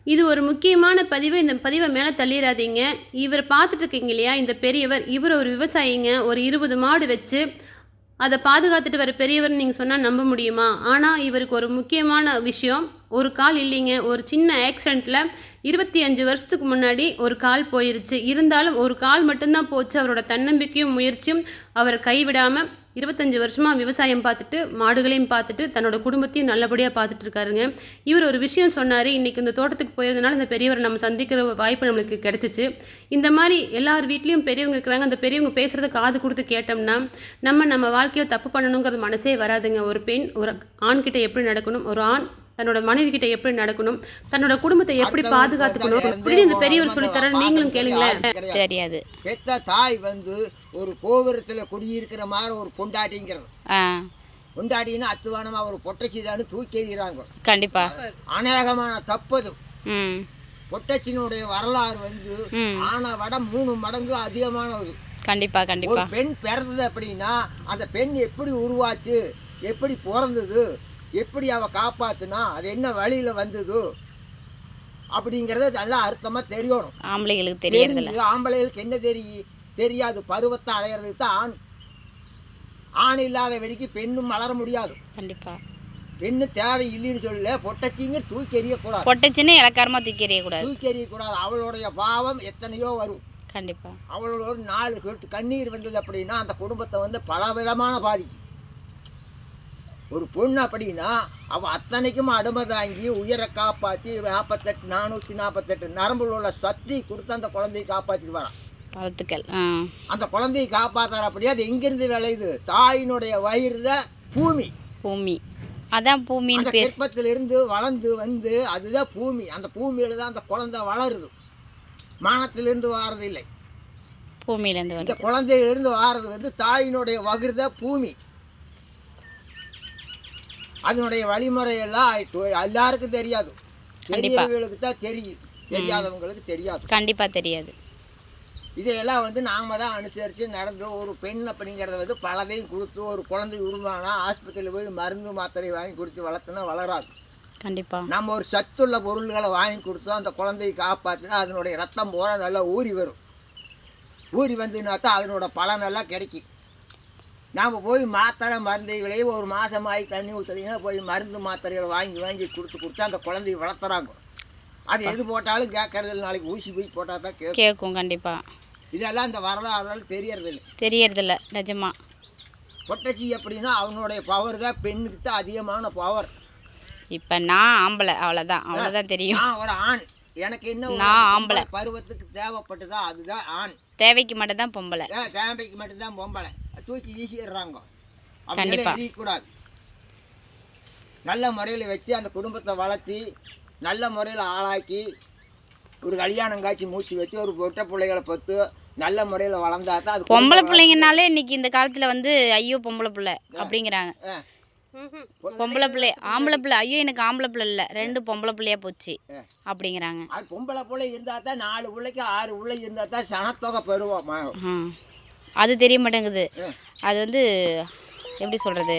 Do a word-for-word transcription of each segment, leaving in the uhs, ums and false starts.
இது ஒரு முக்கியமான பதிவு. இந்த பதிவை மேலே தள்ளிடாதீங்க. இவர் பார்த்துட்டு இருக்கீங்க இல்லையா, இந்த பெரியவர், இவர் ஒரு விவசாயிங்க. ஒரு இருபது மாடு வச்சு அதை பாதுகாத்துட்டு வர பெரியவர்னு நீங்கள் சொன்னால் நம்ப முடியுமா? ஆனால் இவருக்கு ஒரு முக்கியமான விஷயம், ஒரு கால் இல்லைங்க. ஒரு சின்ன ஆக்சிடெண்ட்டில் இருபத்தி அஞ்சு வருஷத்துக்கு முன்னாடி ஒரு கால் போயிருச்சு. இருந்தாலும் ஒரு கால் மட்டும்தான் போச்சு. அவரோட தன்னம்பிக்கையும் முயற்சியும் அவரை கைவிடாமல் இருபத்தஞ்சி வருஷமாக விவசாயம் பார்த்துட்டு, மாடுகளையும் பார்த்துட்டு, தன்னோட குடும்பத்தையும் நல்லபடியாக பார்த்துட்டு இருக்காருங்க. இவர் ஒரு விஷயம் சொன்னார். இன்றைக்கி இந்த தோட்டத்துக்கு போயிருந்தனால இந்த பெரியவரை நம்ம சந்திக்கிற வாய்ப்பு நம்மளுக்கு கிடச்சிச்சு. இந்த மாதிரி எல்லார் வீட்லேயும் பெரியவங்க இருக்கிறாங்க. அந்த பெரியவங்க பேசுகிறத காது கொடுத்து கேட்டோம்னா நம்ம நம்ம வாழ்க்கையை தப்பு பண்ணணுங்கிறது மனசே வராதுங்க. ஒரு பெண் ஒரு ஆண்கிட்ட எப்படி நடக்கணும், ஒரு ஆண் தன்னோட மனைவி கிட்ட எப்படி நடக்கணும், தன்னோட குடும்பத்தை எப்படி பாதுகாத்துக்கணும், இப்படி இந்த பெரியவர் சொல்லித்தர. நீங்களும் கேளுங்களேன். தெரியாது. பெத்த தாய் வந்து ஒரு கோபுரத்தில் குடியிருக்கிற மாதிரி ஒரு பொண்டாட்டிங்கிறது. பொண்டாட்டின்னா அத்துவானமா ஒரு பொட்டச்சிதான்னு தூக்கி எறிகிறாங்க. கண்டிப்பா அநேகமான தப்பது. ம் பொட்டச்சினுடைய வரலாறு வந்து ஆனா விட மூணு மடங்கு அதிகமானது. கண்டிப்பா கண்டிப்பா. ஒரு பெண் பிறந்தது அப்படின்னா அந்த பெண் எப்படி உருவாச்சு, எப்படி பிறந்தது, எப்படி அவ காப்பாத்துனா, அது என்ன வழியில வந்தது அப்படிங்கறது நல்லா அர்த்தமா தெரியணும். ஆம்பளைகளுக்கு தெரியறது. ஆம்பளைகளுக்கு என்ன தெரியும் தெரியாது. பருவத்தை அடையிறதுக்கு தான் ஆண். ஆண் இல்லாத வெடிக்கு பெண்ணும் வளர முடியாது. கண்டிப்பா. பெண்ணு தேவை இல்லைன்னு சொல்ல. பொட்டச்சிங்க தூக்கி எறியக்கூடாது. பொட்டச்சின்னு இலக்காரமா தூக்கி எறியக்கூடாது. தூக்கி எறியக்கூடாது. அவளுடைய பாவம் எத்தனையோ வரும். கண்டிப்பா. அவளோட ஒரு நாலு சொட்டு கண்ணீர் வந்தது அப்படின்னா அந்த குடும்பத்தை வந்து பல விதமான பாதிக்கும். ஒரு பொண்ணு அப்படின்னா அவள் அத்தனைக்கும் அடிமை தாங்கி உயிரை காப்பாற்றி நாற்பத்தெட்டு நானூற்றி நாற்பத்தெட்டு நரம்புல உள்ள சக்தி கொடுத்து அந்த குழந்தையை காப்பாற்றிட்டு வரான். வாழ்த்துக்கள். அந்த குழந்தையை காப்பாற்றுற அப்படியே அது எங்கிருந்து விளையுது? தாயினுடைய வயிறுல பூமி. பூமி அதான் பூமி. அந்த கர்ப்பத்திலிருந்து வளர்ந்து வந்து அதுதான் பூமி. அந்த பூமியில தான் அந்த குழந்தை வளருது. மானத்திலிருந்து வாரது இல்லை. பூமியிலேருந்து இந்த குழந்தையிலிருந்து வாரது வந்து தாயினுடைய வகிர்த பூமி. அதனுடைய வழிமுறையெல்லாம் எல்லாருக்கும் தெரியாது. தெரிஞ்சவங்களுக்கு தான் தெரியும், தெரியாதவங்களுக்கு தெரியாது. கண்டிப்பாக தெரியாது. இதையெல்லாம் வந்து நாம தான் அனுசரித்து நடந்து ஒரு பெண் அப்படிங்கிறத வந்து பலதையும் கொடுத்து ஒரு குழந்தை உருவானா ஆஸ்பத்திரியில் போய் மருந்து மாத்திரை வாங்கி கொடுத்து வளர்த்துனா வளராது. கண்டிப்பாக. நம்ம ஒரு சத்துள்ள பொருள்களை வாங்கி கொடுத்தோம் அந்த குழந்தையை காப்பாற்றினா அதனுடைய ரத்தம் போல நல்லா ஊறி வரும். ஊறி வந்துன்னா தான் அதனோட பலனெல்லாம் கிடைக்கும். நாம் போய் மாத்திரை மருந்துகளையும் ஒரு மாதம் ஆகி தண்ணி ஊற்றுறீங்கன்னா போய் மருந்து மாத்திரைகளை வாங்கி வாங்கி கொடுத்து கொடுத்து அந்த குழந்தைய வளர்த்துறாங்க. அது எது போட்டாலும் கேட்கறதில்ல. நாளைக்கு ஊசி போய் போட்டால் தான் கேட்கும். கேட்கும். கண்டிப்பாக. இதெல்லாம் இந்த வரலாறு தெரியறதில்லை. தெரியறதில்ல நிஜமா. பொட்டச்சி அப்படின்னா அவனுடைய பவர் தான் பெண்ணுக்கு தான் அதிகமான பவர். இப்போ நான் ஆம்பளை, அவ்வளோதான். அவ்வளோதான் தெரியும். நான் ஒரு ஆண். எனக்கு என்ன நான் ஆம்பளை பருவத்துக்கு தேவைப்பட்டதா அதுதான் ஆண். தேவைக்கு மட்டும்தான் பொம்பளை. தேவைக்கு மட்டும்தான் பொம்பளை. தூக்கி வீசிடுறாங்க. கண்டிப்பாக எரியக்கூடாது. நல்ல முறையில் வச்சு அந்த குடும்பத்தை வளர்த்தி நல்ல முறையில் ஆளாக்கி ஒரு கல்யாணம் காட்சி மூச்சு வச்சு ஒரு பொட்ட பிள்ளைகளை பத்து நல்ல முறையில் வளர்ந்தா தான் அது. பொம்பளை பிள்ளைங்கனாலே இன்னைக்கு இந்த காலத்தில் வந்து ஐயோ பொம்பளை பிள்ளை அப்படிங்கிறாங்க. பொம்பளை பிள்ளை ஆம்பளை பிள்ளை ஐயோ எனக்கு ஆம்பளை பிள்ளை இல்லை ரெண்டு பொம்பளை பிள்ளையா போச்சு அப்படிங்கிறாங்க. அது பொம்பளை பிள்ளை இருந்தால் தான் நாலு பிள்ளைக்கு ஆறு பிள்ளை இருந்தால் தான் சனத்தொகை பெறுவோம். அது தெரிய மாட்டேங்குது. அது வந்து எப்படி சொல்கிறது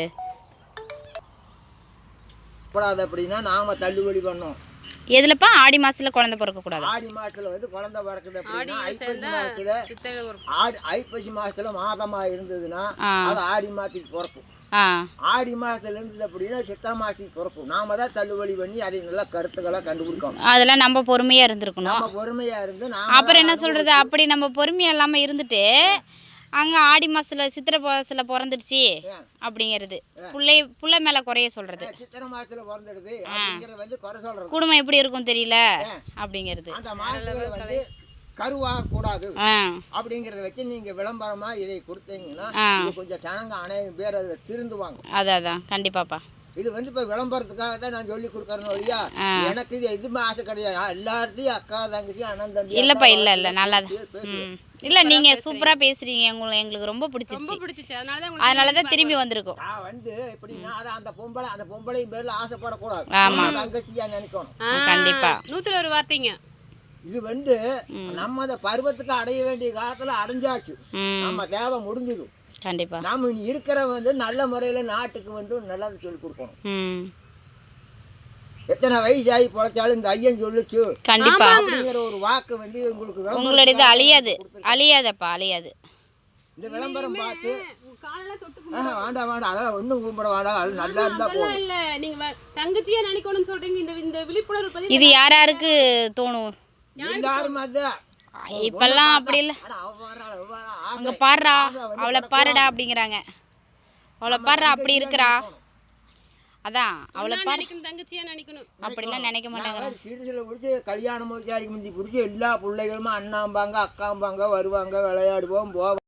கூடாது அப்படின்னா நாம் தள்ளுபடி பண்ணோம். எதுலப்பா? ஆடி மாதத்தில் குழந்தை பிறக்கக்கூடாது. ஆடி மாதத்தில் வந்து குழந்தை பிறக்குது அப்படின்னா ஐப்பசி மாதத்தில் ஆடி ஐப்பசி மாதத்தில் மாதமாக இருந்ததுன்னா அது ஆடி மாதத்துக்கு பிறக்கும். ஆடி மாதத்துல இருந்தது அப்படின்னா சித்திரை மாதத்துக்கு பிறக்கும். நாம தான் தள்ளுபடி பண்ணி அதை நல்லா கருத்துக்களை கண்டுபிடிக்கணும். அதெல்லாம் நம்ம பொறுமையாக இருந்திருக்கணும். நம்ம பொறுமையாக இருந்து அப்புறம் என்ன சொல்கிறது, அப்படி நம்ம பொறுமையாக இல்லாமல் இருந்துட்டு அங்கே ஆடி மாதத்தில் சித்திரை மாதத்தில் பிறந்துடுச்சு அப்படிங்கிறது பிள்ளை பிள்ளை மேலே குறைய சொல்கிறது. சித்திரை மாதத்தில் பிறந்துடுது அப்படிங்கிறது வந்து குறை சொல்கிறது. குடும்பம் எப்படி இருக்கும் தெரியல அப்படிங்கிறது. அந்த மாதத்தில் வந்து கருவாக கூடாது அப்படிங்கிறத வச்சு நீங்க விளம்பரமா இதை கொடுத்தீங்கன்னா கொஞ்சம் ஜனங்க அனைவரும் பேர் அதில் திருந்துவாங்க. அதான் அதான் கண்டிப்பாப்பா. இது வந்து இப்போ விளம்பரத்துக்காக தான் நான் சொல்லி கொடுக்குறேன் வழியா. எனக்கு இது எதுவுமே ஆசை கிடையாது. எல்லாத்தையும் அக்கா தங்கச்சி அண்ணன் தம்பி இல்லைப்பா. இல்லை இல்லை நல்லா இல்லை நீங்கள் சூப்பராக பேசுகிறீங்க. உங்களுக்கு எங்களுக்கு ரொம்ப பிடிச்சிருச்சு. அதனால தான் திரும்பி வந்திருக்கோம். நான் வந்து எப்படின்னா அதான் அந்த பொம்பளை அந்த பொம்பளையும் பேரில் ஆசைப்படக்கூடாது. ஆமாம் தங்கச்சியா நினைக்கணும். கண்டிப்பாக. நூற்றுல ஒரு வார்த்தைங்க. இது வந்து நம்ம அந்த பருவத்துக்கு அடைய வேண்டிய காலத்தில் அடைஞ்சாச்சு. நம்ம தேவை முடிஞ்சுது. கண்டிப்பா. நாம இனி இருக்கிற வந்து நல்ல முறையில் நாட்டுக்கு வந்து நல்லது சொல்லி கொடுக்கணும். எத்தனை வயசாகி பொழைச்சாலும் இந்த ஐயன் சொல்லுச்சு கண்டிப்பா அப்படிங்கிற ஒரு வாக்கு வந்து உங்களுக்கு விளம்பரம் உங்களுடையது அழியாது அழியாதப்பா அழியாது. இந்த விளம்பரம் பார்த்து காலெல்லாம் தொட்டு ஆஹா, வேண்டாம் வேண்டாம் அதெல்லாம் ஒன்றும் கும்பிட வேண்டாம் அது நல்லா இருந்தால் அதெல்லாம் போதும். இல்ல நீங்க வ- தங்கச்சியா நினைக்கணும்னு சொல்றீங்க. இந்த இந்த விழிப்புணர்வு பதிவு இது யார் யாருக்கு தோணும்? எல்லாரும் அதுதான் இப்பெல்லாம் அப்படி இல்லை. ஆனா அவ வர்றாள், அவ வர்றா, ஆசை. அங்கே பாடுறா ஆசை வந்து அவளை கிடக்கும். பாருடா அப்படிங்கிறாங்க. அவளை பாடுறா அப்படி இருக்கிறா அதான் அவளை பாரு நினைக்கணும், தங்கச்சியா நினைக்கணும். அப்படிலாம் நினைக்க மாட்டாங்க. நான் சிறுசில் பிடிச்சி கல்யாணம் முடிச்சாரிக்கு முந்தி பிடிச்சி எல்லா பிள்ளைகளுமே அண்ணாம்பாங்க அக்காம்பாங்க வருவாங்க விளையாடுவோம் போவோம்.